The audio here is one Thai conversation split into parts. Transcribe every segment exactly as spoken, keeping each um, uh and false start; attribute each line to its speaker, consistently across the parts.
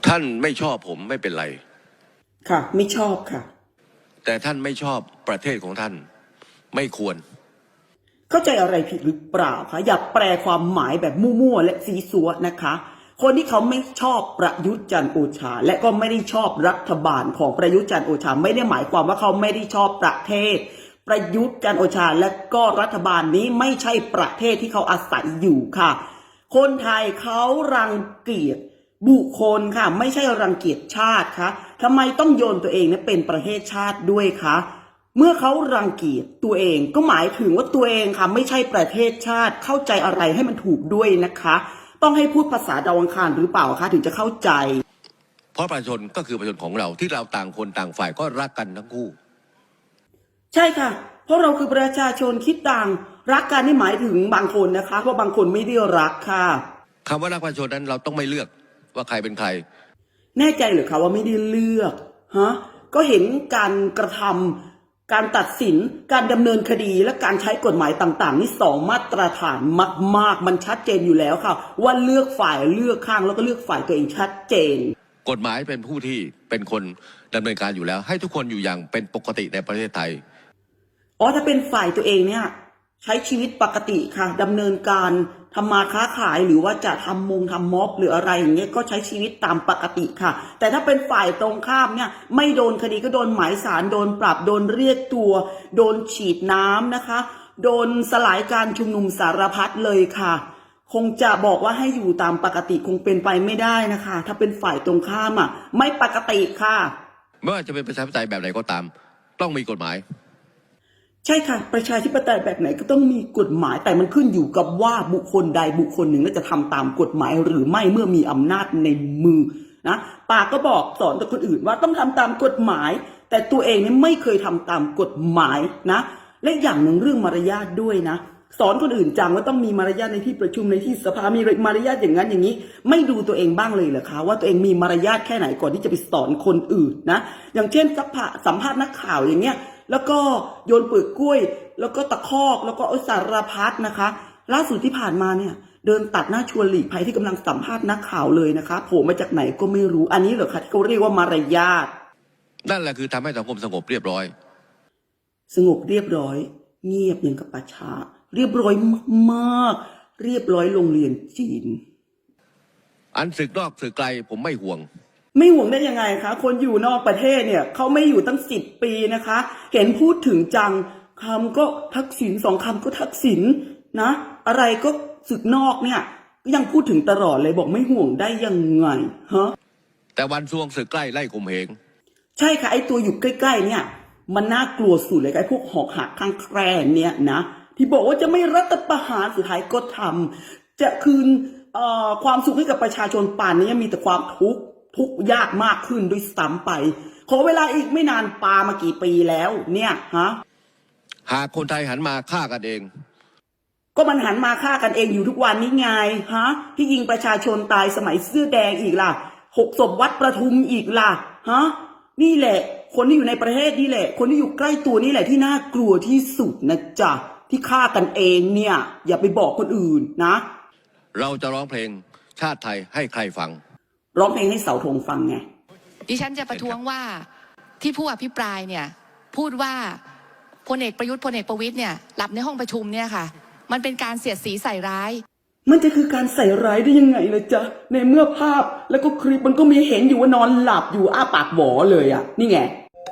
Speaker 1: ท่านไม่ชอบผมไม่เป็นไร
Speaker 2: ค่ะไม่ชอบค่ะ
Speaker 1: แต่ท่านไม่ชอบประเทศของท่านไม่ควร
Speaker 2: เข้าใจอะไรผิดหรือเปล่าคะอย่าแปลความหมายแบบมั่วๆและซีซัวนะคะคนที่เขาไม่ชอบประยุทธ์จันทร์โอชาและก็ไม่ได้ชอบรัฐบาลของประยุทธ์จันทร์โอชาไม่ได้หมายความว่าเขาไม่ได้ชอบประเทศประยุทธ์จันทร์โอชาและก็รัฐบาลนี้ไม่ใช่ประเทศที่เขาอาศัยอยู่ค่ะคนไทยเขารังเกียจบุคคลค่ะไม่ใช่รังเกียจชาติคะทำไมต้องโยนตัวเองเนี่ยเป็นประเทศชาติด้วยคะเมื่อเขารังเกียจตัวเองก็หมายถึงว่าตัวเองค่ะไม่ใช่ประเทศชาติเข้าใจอะไรให้มันถูกด้วยนะคะต้องให้พูดภาษาดาวอังคารหรือเปล่าคะถึงจะเข้าใจ
Speaker 1: เพราะประชาชนก็คือประชาชนของเราที่เราต่างคนต่างฝ่ายก็รักกันทั้งคู่
Speaker 2: ใช่ค่ะเพราะเราคือประชาชนคิดต่างรักกันนี่หมายถึงบางคนนะคะเพราะบางคนไม่ได้รักค่ะ
Speaker 1: คำว่ารักประชาชนนั้นเราต้องไม่เลือกว่าใครเป็นใคร
Speaker 2: แน่ใจหรือคะว่าไม่ได้เลือกฮะก็เห็นการกระทำการตัดสินการดำเนินคดีและการใช้กฎหมายต่างๆนี่สองมาตรฐานมากๆมันชัดเจนอยู่แล้วค่ะว่าเลือกฝ่ายเลือกข้างแล้วก็เลือกฝ่ายตัวเองชัดเจน
Speaker 1: กฎหมายเป็นผู้ที่เป็นคนดำเนินการอยู่แล้วให้ทุกคนอยู่อย่างเป็นปกติในประเทศไทย
Speaker 2: อ๋อถ้าเป็นฝ่ายตัวเองเนี่ยใช้ชีวิตปกติค่ะดำเนินการทำมาค้าขายหรือว่าจะทำมงทำม็อบหรืออะไรอย่างเงี้ยก็ใช้ชีวิตตามปกติค่ะแต่ถ้าเป็นฝ่ายตรงข้ามเนี่ยไม่โดนคดีก็โดนหมายสารโดนปรับโดนเรียกตัวโดนฉีดน้ำนะคะโดนสลายการชุมนุมสารพัดเลยค่ะคงจะบอกว่าให้อยู่ตามปกติคงเป็นไปไม่ได้นะคะถ้าเป็นฝ่ายตรงข้ามอ่ะไม่ปกติค่ะ
Speaker 1: ไม่ว่าจะเป็นประชาธิปไตยแบบไหนก็ตามต้องมีกฎหมาย
Speaker 2: ใช่ค่ะประชาธิปไตยแบบไหนก็ต้องมีกฎหมายแต่มันขึ้นอยู่กับว่าบุคคลใดบุคคลหนึ่งจะทำตามกฎหมายหรือไม่เมื่อมีอำนาจในมือนะปากก็บอกสอนแต่คนอื่นว่าต้องทำตามกฎหมายแต่ตัวเองเนี่ยไม่เคยทำตามกฎหมายนะและอย่างหนึ่งเรื่องมารยาทด้วยนะสอนคนอื่นจังว่าต้องมีมารยาทในที่ประชุมในที่สภามีมารยาทอย่างนั้นอย่างนี้ไม่ดูตัวเองบ้างเลยเหรอคะว่าตัวเองมีมารยาทแค่ไหนก่อนที่จะไปสอนคนอื่นนะอย่างเช่นสัมภาษณ์นักข่าวอย่างเงี้ยแล้วก็โยนเปลือกกล้วยแล้วก็ตะคอกแล้วก็สารพัดนะคะล่าสุดที่ผ่านมาเนี่ยเดินตัดหน้าชวนหลีกภัยที่กำลังสัมภาษณ์นักข่าวเลยนะคะโผล่มาจากไหนก็ไม่รู้อันนี้เหรอคะที่เขาเรียกว่ามารยาท
Speaker 1: นั่นแหละคือทำให้สังคมสงบเรียบร้อย
Speaker 2: สงบเรียบร้อยเงียบอย่างกับป่าช้าเรียบร้อยมากๆเรียบร้อยโรงเรียนจีน
Speaker 1: อันศึกนอกศึกไกลผมไม่ห่วง
Speaker 2: ไม่ห่วงได้ยังไงคะคนอยู่นอกประเทศเนี่ยเขาไม่อยู่ตั้งสิบปีนะคะเห็นพูดถึงจังคำก็ทักษิณสองคำก็ทักษิณนะอะไรก็ศึกนอกเนี่ยก็ยังพูดถึงตลอดเลยบอกไม่ห่วงได้ยังไงฮะ
Speaker 1: แต่วันซวงศึกใกล้ไล่ข่มเหง
Speaker 2: ใช่ค่ะไอตัวอยู่ใกล้ๆเนี่ยมันน่ากลัวสุดเลยไอพวกหอกหักข้างแคร่เนี่ยนะที่บอกว่าจะไม่รัฐประหารสุดท้ายก็ทำจะคืนความสุขให้กับประชาชนป่านนี้มีแต่ความทุกข์ทุกยากมากขึ้นด้วยซ้ำไปขอเวลาอีกไม่นานปามากี่ปีแล้วเนี่ยฮะ
Speaker 1: หากคนไทยหันมาฆ่ากันเอง
Speaker 2: ก็มันหันมาฆ่ากันเองอยู่ทุกวันนี้ไงฮะที่ยิงประชาชนตายสมัยเสื้อแดงอีกล่ะหกศพวัดประทุมอีกล่ะฮะนี่แหละคนที่อยู่ในประเทศนี่แหละคนที่อยู่ใกล้ตัวนี่แหละที่น่ากลัวที่สุดนะจ๊ะที่ฆ่ากันเองเนี่ยอย่าไปบอกคนอื่นนะ
Speaker 1: เราจะร้องเพลงชาติไทยให้ใครฟัง
Speaker 2: ร้องเพลงให้เสาธงฟังไง
Speaker 3: ดิฉันจะประท้วงว่าที่ผู้อภิปรายเนี่ยพูดว่าพลเอกประยุทธ์พลเอกประวิตรเนี่ยหลับในห้องประชุมเนี่ยค่ะมันเป็นการเสียดสีใส่ร้าย
Speaker 2: มันจะคือการใส่ร้ายได้ยังไงเลยจ๊ะในเมื่อภาพแล้วก็คลิปมันก็มีเห็นอยู่ว่านอนหลับอยู่อ้าปากหวอเลยอ่ะนี่ไง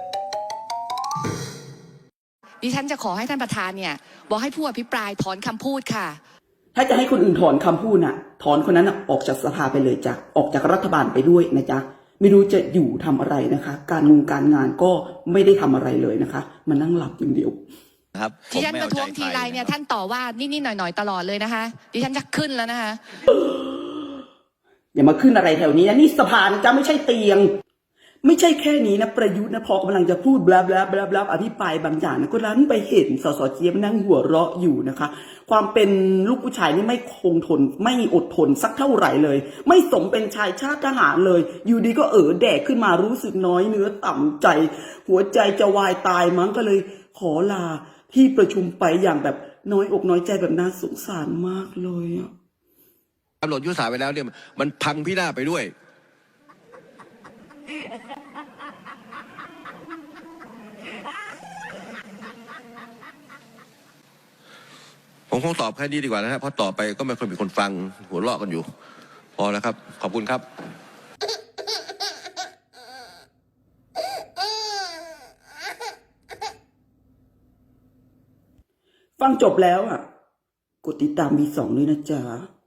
Speaker 3: ดิฉันจะขอให้ท่านประธานเนี่ยบอกให้ผู้อภิปรายถอนคำพูดค่ะ
Speaker 2: ถ้าจะให้คนอื่นถอนคำพูดน่ะถอนคนนั้นน่ะออกจากสภาไปเลยจ้ะออกจากรัฐบาลไปด้วยนะจ๊ะไม่รู้จะอยู่ทำอะไรนะคะการงงการงานก็ไม่ได้ทำอะไรเลยนะคะมานั่งหลับอย่างเดียว
Speaker 1: ครับ
Speaker 3: ดิฉันประท้วงทีไรเนี่ยท่านต่อว่านิดๆหน่อยๆตลอดเลยนะคะดิฉันจะขึ้นแล้วนะคะ
Speaker 2: อย่ามาขึ้นอะไรแถวนี้นะนี่สภานะจ๊ะไม่ใช่เตียงไม่ใช่แค่นี้นะประยุทธ์นะพอกำลังจะพูดบลาบลาบลาบลาอภิปรายบางอย่างนะก็รั้นไปเห็นสสเจี๊ยบนั่งหัวเราะอยู่นะคะความเป็นลูกผู้ชายนี่ไม่คงทนไม่อดทนสักเท่าไหร่เลยไม่สมเป็นชายชาติทหารเลยอยู่ดีก็เออแดกขึ้นมารู้สึกน้อยเนื้อต่ำใจหัวใจจะวายตายมั้งก็เลยขอลาที่ประชุมไปอย่างแบบน้อยอกน้อยใจแบบน่าสงสารมากเลยอ่ะ
Speaker 1: กำหนดยุทธศาสตร์ไปแล้วเนี่ยมันพังพินาศไปด้วยผมคงตอบแค่นี้ดีกว่านะฮะเพราะต่อไปก็ไม่ค่อยมีคนฟังหัวเราะกันอยู่ พอแล้วครับ ขอบคุณครับ
Speaker 2: ฟังจบแล้วอ่ะ กดติดตามบีสองด้วยนะจ๊ะ